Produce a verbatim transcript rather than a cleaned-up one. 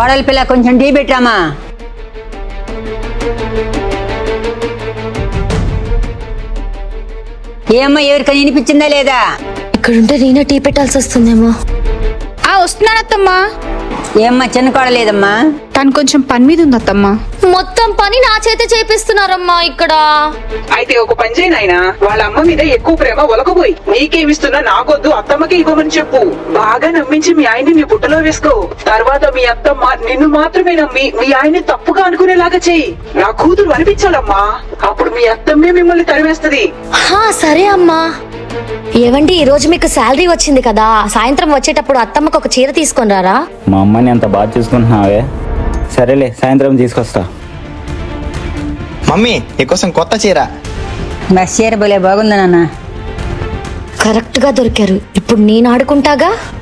కోడలి పిల్ల కొంచెం టీ పెట్టామా. ఏమ్మా ఎవరికైనా వినిపించిందా లేదా? ఇక్కడుంటే నేనే టీ పెట్టాల్సి వస్తుందేమో. ఆ వస్తున్నానత్తమ్మా. ఏమ్మా చిన్న కోడలేదమ్మా? తను కొంచెం పని మీద ఉంది అత్తమ్మా. మొత్తం పని నా చేత చేపిస్తున్నారమ్మా ఇక్కడ. అయితే ఒక పని చేయి నాయనా, వాళ్ళ అమ్మ మీద ఎక్కువ ప్రేమ ఒలకపోయి నీకేమిస్తున్నా నాకొద్దు అత్తమ్మకి ఇవ్వమని చెప్పు. బాగా నమ్మించి మీ ఆయన్ని నీ బుట్టలో వేసుకో. తర్వాత మీ అత్తమ్మ నిన్ను మాత్రమే నమ్మి మీ ఆయన్ని తప్పుగా అనుకునేలాగా చెయ్యి. నా కూతురు అనిపించాలమ్మా, అప్పుడు మీ అత్తమ్మే మిమ్మల్ని తరివేస్తది. హా సరే అమ్మా. ఏవండి, ఈ రోజు మీకు శాలరీ వచ్చింది కదా, సాయంత్రం వచ్చేటప్పుడు అత్తమ్మకు ఒక చీర తీసుకొని రారా. మా అమ్మని అంత బాగా చూసుకుంటున్నావే. సరేలే, సాయంత్రం తీసుకొస్తా. మమ్మీ నీకోసం కొత్త చీర. బస్ చీర భలే బాగుందా నాన్న? కరెక్ట్ గా దొరికారు. ఇప్పుడు నేను ఆడుకుంటాగా.